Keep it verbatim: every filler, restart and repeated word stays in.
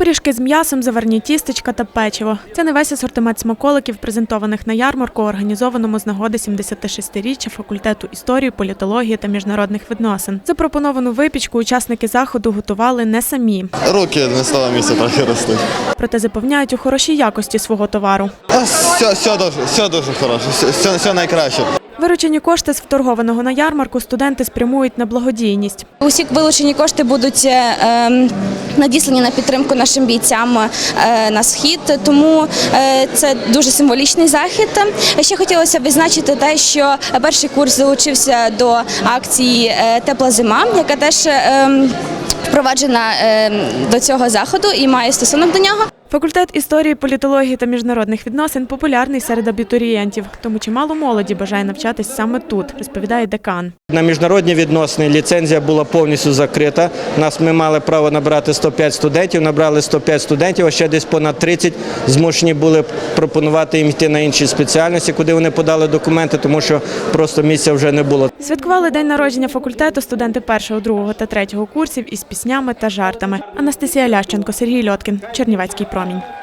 Пиріжки з м'ясом, заварні тістечка та печиво. Це не весь асортимент смаколиків, презентованих на ярмарку, організованому з нагоди сімдесятишестиріччя факультету історії, політології та міжнародних відносин. Запропоновану випічку учасники заходу готували не самі. Руки не з того місця трохи ростуть. Проте запевняють у хорошій якості свого товару. Все, все, дуже, все дуже хороше, все, все найкраще. Виручені кошти з вторгованого на ярмарку студенти спрямують на благодійність. Усі вилучені кошти будуть е, надіслані на підтримку нашим бійцям е, на схід, тому е, це дуже символічний захід. Ще хотілося б відзначити те, що перший курс долучився до акції е, «Тепла зима», яка теж е, впроваджена е, до цього заходу і має стосунок до нього. Факультет історії, політології та міжнародних відносин популярний серед абітурієнтів, тому чимало молоді бажає навчатись саме тут, розповідає декан. На міжнародні відносини ліцензія була повністю закрита. Нас ми мали право набрати сто п'ять студентів, набрали сто п'ять студентів, а ще десь понад тридцять змушені були пропонувати їм йти на інші спеціальності, куди вони подали документи, тому що просто місця вже не було. Святкували день народження факультету студенти першого, другого та третього курсів із піснями та жартами. Анастасія Лященко, Сергій Льоткін, Чернівецький промінь.